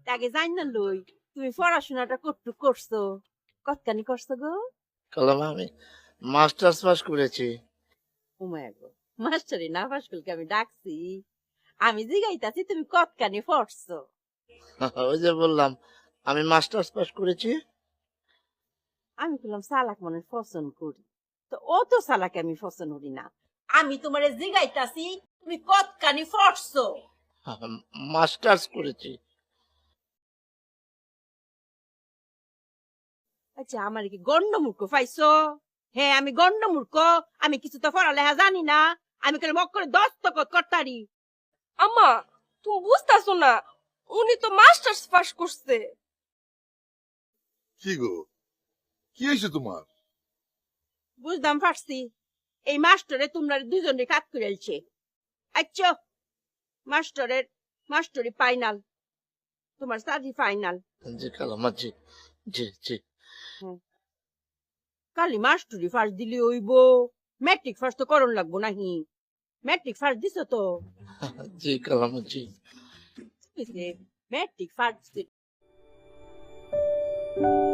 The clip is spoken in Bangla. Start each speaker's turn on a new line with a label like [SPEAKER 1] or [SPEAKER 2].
[SPEAKER 1] আগে জান না লই তুমি পড়াশোনাটা কতটুক করছো কতখানি করছো গো
[SPEAKER 2] কলম আমি মাস্টার্স পাস করেছি।
[SPEAKER 1] উমায় গো মাস্টারি না পাস করলে আমি ডাকছি আমি জিগাইতাছি তুমি কতখানি পড়ছো
[SPEAKER 2] ওই যে বললাম আমি মাস্টার্স পাস করেছি।
[SPEAKER 1] আমি বললাম সালাক মনে হয় পছন্দ করি তো ও তো সালাকে আমি পছন্দ করি না আমি তোমারে জিগাইতাছি তুমি কতখানি পড়ছো
[SPEAKER 2] মাস্টার্স করেছি।
[SPEAKER 1] আচ্ছা আমার কি গন্ডমূর্খ পাইছো হ্যাঁ আমি গন্ডমূর্খ আমি কিছু তো পড়ালেখা জানি না আমি কেন মক করে দস্তখত করতারি
[SPEAKER 3] আম্মা তুমি বুঝতাছো না উনি তো মাস্টার্স পাস করছে।
[SPEAKER 4] কি গো, কি হয়েছে তোমার?
[SPEAKER 1] বুঝতাম পারছি এই মাস্টারে তোমরা দুজনে কাজ করে আইছে আচ্ছা মাস্টারের মাস্টারি ফাইনাল তোমার সাজি ফাইনাল
[SPEAKER 2] জি কালামা জি জি জি।
[SPEAKER 1] কালি মাস্টারি ফার্স্ট দিলি হইব ম্যাট্রিক ফার্স্ট তো করণ লাগবো নাহি ম্যাট্রিক ফার্স্ট দিছো তো
[SPEAKER 2] জি কালামা জি।
[SPEAKER 1] Matric first